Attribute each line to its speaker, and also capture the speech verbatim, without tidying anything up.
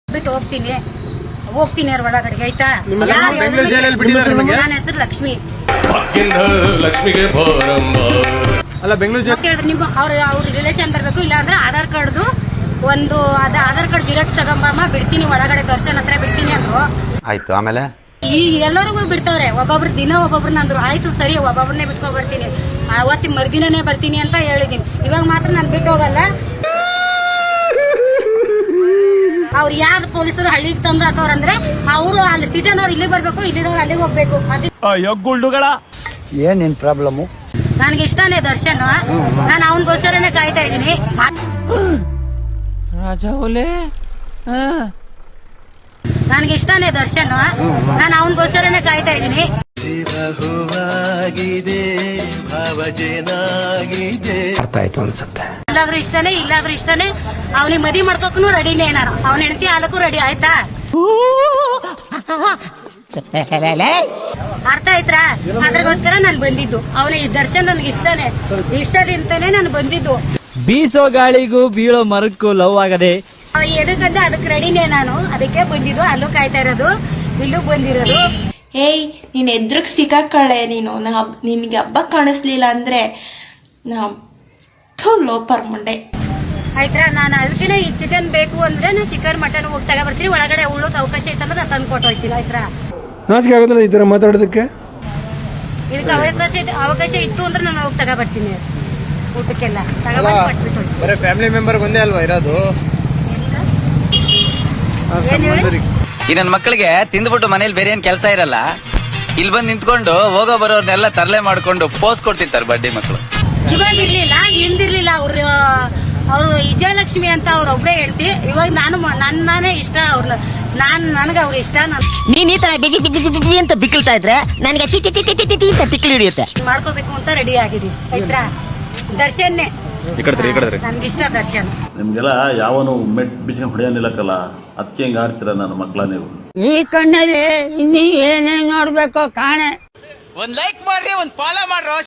Speaker 1: ಬಿಟ್ಟು ಹೋಗ್ತೀನಿ ಹೋಗ್ತೀನಿ ಅವ್ರ ಒಳಗಡೆ ಆಯ್ತಾ. ನನ್ನ ಹೆಸರು ಲಕ್ಷ್ಮಿ.
Speaker 2: ಲಕ್ಷ್ಮಿಗೆ
Speaker 3: ಅಲ್ಲ ಬೆಂಗಳೂರು
Speaker 1: ಹೇಳಿದ್ರೆ ನಿಮ್ಮ ಅವ್ರ ಅವ್ರ ರಿಲೇಷನ್ ತರಬೇಕು, ಇಲ್ಲ ಅಂದ್ರೆ ಆಧಾರ್ ಕಾರ್ಡ್ದು ಒಂದು ಅದ ಆಧಾರ್ ಕಾರ್ಡ್ ಜಿರಾಕ್ಸ್ ತಗೊಂಬಮ್ಮ ಬಿಡ್ತೀನಿ ಒಳಗಡೆ ದರ್ಶನ್ ಹತ್ರ ಬಿಡ್ತೀನಿ ಅಂದ್ರು.
Speaker 4: ಆಯ್ತು ಆಮೇಲೆ
Speaker 1: ಈ ಎಲ್ಲರಿಗೂ ಬಿಡ್ತಾವ್ರೆ. ಒಬ್ಬೊಬ್ರು ದಿನ ಒಬ್ಬೊಬ್ರನ್ನ ಅಂದ್ರು. ಆಯ್ತು ಸರಿ ಒಬ್ಬೊಬ್ರನ್ನೇ ಬಿಟ್ಕೊ ಬರ್ತೀನಿ, ಅವತ್ತಿನ ಮರುದಿನನೇ ಬರ್ತೀನಿ ಅಂತ ಹೇಳಿದೀನಿ. ಇವಾಗ ಮಾತ್ರ ನಾನು ಬಿಟ್ಟು ಹೋಗಲ್ಲ. ಅವ್ರು ಯಾರು ಪೊಲೀಸರು ಹಳ್ಳಿಗೆ ತಂದು ಹಾಕವ್ರಂದ್ರೆ ಅವರು ಅಲ್ಲಿ ಸಿಟಿನವ್ರು ಇಲ್ಲಿಗೆ ಬರ್ಬೇಕು, ಇಲ್ಲಿದವ್ರು ಅಲ್ಲಿಗೆ ಹೋಗ್ಬೇಕು.
Speaker 5: ಗುಳ್ಳುಗಳ
Speaker 4: ಏನ್ ನಿನ್ ಪ್ರಾಬ್ಲಮ್?
Speaker 1: ನನ್ಗೆ ಇಷ್ಟನೇ ದರ್ಶನ್. ನಾನು ಅವನಿಗೋಸ್ಕರನೇ ಕಾಯ್ತಾ ಇದ್ದೀನಿ.
Speaker 5: ರಾಜ ಓಲೆ
Speaker 1: ನನ್ಗೆ ಇಷ್ಟನೇ ದರ್ಶನ್. ನಾನು ಅವನಿಗೋಸ್ಕರನೇ ಕಾಯ್ತಾ ಇದ್ದೀನಿ.
Speaker 4: ಅರ್ಥ ಆಯ್ತು ಅನ್ಸುತ್ತೆ.
Speaker 1: ಇಲ್ಲಾದ್ರೂ ಇಷ್ಟನೇ ಇಲ್ಲಾದ್ರೂ ಇಷ್ಟನೇ. ಅವನಿಗೆ ಮದಿ ಮಾಡ್ಕೋಕು ರೆಡಿನೇ. ನಾನು ಅವನ ಹೆಂಡತಿ ಹಾಲಕ್ಕೂ ರೆಡಿ ಆಯ್ತಾ. ಅರ್ಥ ಆಯ್ತಾ? ಅದ್ರಗೋಸ್ಕರ ನಾನು ಬಂದಿದ್ದು. ಅವನ ಈ ದರ್ಶನ್ ನನ್ಗೆ ಇಷ್ಟನೇ, ಇಷ್ಟದಿಂತಾನೆ ನಾನು ಬಂದಿದ್ದು.
Speaker 5: ಬೀಸೋ ಗಾಳಿಗೂ ಬೀಳೋ ಮರಕ್ಕೂ ಲವ್ ಆಗದೆ
Speaker 1: ಎದಕ್ಕಂತ ಅದಕ್ಕೆ ರೆಡಿನೇ ನಾನು. ಅದಕ್ಕೆ ಬಂದಿದ್ದು. ಅಲ್ಲೂ ಕಾಯ್ತಾ ಇರೋದು, ಇಲ್ಲೂ ಬಂದಿರೋದು.
Speaker 6: ಏಯ್ ನೀನ್ ಎದ್ರಗ್ ಸಿಕ್ಕಾಕಳೆ ನೀನು. ನಾ ನಿನ್ಗೆ ಹಬ್ಬ ಕಾಣಿಸ್ಲಿಲ್ಲ ಅಂದ್ರೆ ನಾ ಲೋಪರ್ ಮುಂಡೆ
Speaker 1: ಆಯ್ತಾ. ನಾನು ಅದಕ್ಕೆ ಈ ಚಿಕನ್ ಬೇಕು ಅಂದ್ರೆ ನಾನು ಚಿಕನ್ ಮಟನ್ ಹೋಗಿ ತಗೋ ಬರ್ತೀನಿ. ಒಳಗಡೆ ಉಳ್ಳೋಕೆ ಅವಕಾಶ ಇತ್ತಂದ್ರೆ ನಾನು ತಂದು ಕೊಟ್ಟು ಹೋಗ್ತೀನಿ. ಆಯ್ತಾ.
Speaker 3: ನಾಚಿಕೆ ಆಗೋದಿಲ್ಲ ಈ ತರ ಮಾತಾಡೋದಕ್ಕೆ?
Speaker 1: ಇದಕ್ಕೆ ಅವಕಾಶ ಅವಕಾಶ ಇತ್ತು ಅಂದ್ರೆ ನಾನು ಹೋಗಿ ತಗೋ ಬರ್ತೀನಿ. ಊಟಕ್ಕೆಲ್ಲ ತಗೊಬಂದು ಕೊಟ್ಬಿಟ್ಟು
Speaker 3: ಬರೀ ಫ್ಯಾಮಿಲಿ ಮೆಂಬರ್ ಒಂದೇ ಅಲ್ವಾ ಇರೋದು?
Speaker 1: ಏನ್ ಹೇಳಿ?
Speaker 4: ಈ ನನ್ನ ಮಕ್ಕಳಿಗೆ ತಿಂದ್ಬಿಟ್ಟು ಮನೇಲಿ ಬೇರೆ ಏನ್ ಕೆಲಸ ಇರಲ್ಲ, ಇಲ್ಲಿ ಬಂದು ನಿಂತ್ಕೊಂಡು ಹೋಗೋ ಬರೋರ್ನೆಲ್ಲ ತರಲೆ ಮಾಡ್ಕೊಂಡು ಪೋಸ್ ಕೊಡ್ತಿರ್ತಾರೆ ಬಡ್ಡಿ ಮಕ್ಕಳು.
Speaker 1: ಇವಾಗ ಇರ್ಲಿಲ್ಲ, ಹಿಂದಿರ್ಲಿಲ್ಲ. ಅವ್ರು ಅವ್ರು ವಿಜಯಲಕ್ಷ್ಮಿ ಅಂತ ಅವ್ರ ಒಬ್ಳೆ ಹೇಳ್ತಿ. ಇವಾಗ ನಾನು ನನ್ನಾನೇ ಇಷ್ಟ ಅವ್ರನ್ನ. ನಾನ್ ನನಗೆ ಅವ್ರ ಇಷ್ಟ.
Speaker 7: ನೀನ್ ಈ ತರ ಅಂತ ಬಿಕ್ಕಳ್ತಾ ಇದ್ರೆ ನನಗೆ ಅಂತ ತಿಕ್ಲಿ ಹಿಡಿಯುತ್ತೆ.
Speaker 1: ಮಾಡ್ಕೋಬೇಕು ಅಂತ ರೆಡಿ ಆಗಿದೀವಿ. ಆಯ್ತಾ. ದರ್ಶನ್ನೇ ನನ್ಗಿಷ್ಟ ದರ್ಶನ್.
Speaker 8: ನಿಮ್ಗೆಲ್ಲ ಯಾವನು ಮೆಟ್ ಬಿಚ್ಕೊಂಡು ಹೊಡೆಯಲಿಲ್ಲಕ್ಕಲ್ಲ, ಅದಕ್ಕೆ ಹೆಂಗ್ ಆಡ್ತೀರ ನನ್ನ ಮಕ್ಕಳ ನೀವು?
Speaker 7: ಈ ಕಣ್ಣಲ್ಲಿ ಇನ್ನೀ ಏನೇನ್ ನೋಡ್ಬೇಕೋ ಕಾಣೆ.
Speaker 5: ಒಂದ್ ಲೈಕ್ ಮಾಡ್ರಿ, ಒಂದ್ ಫಾಲೋ ಮಾಡ್ರೋ.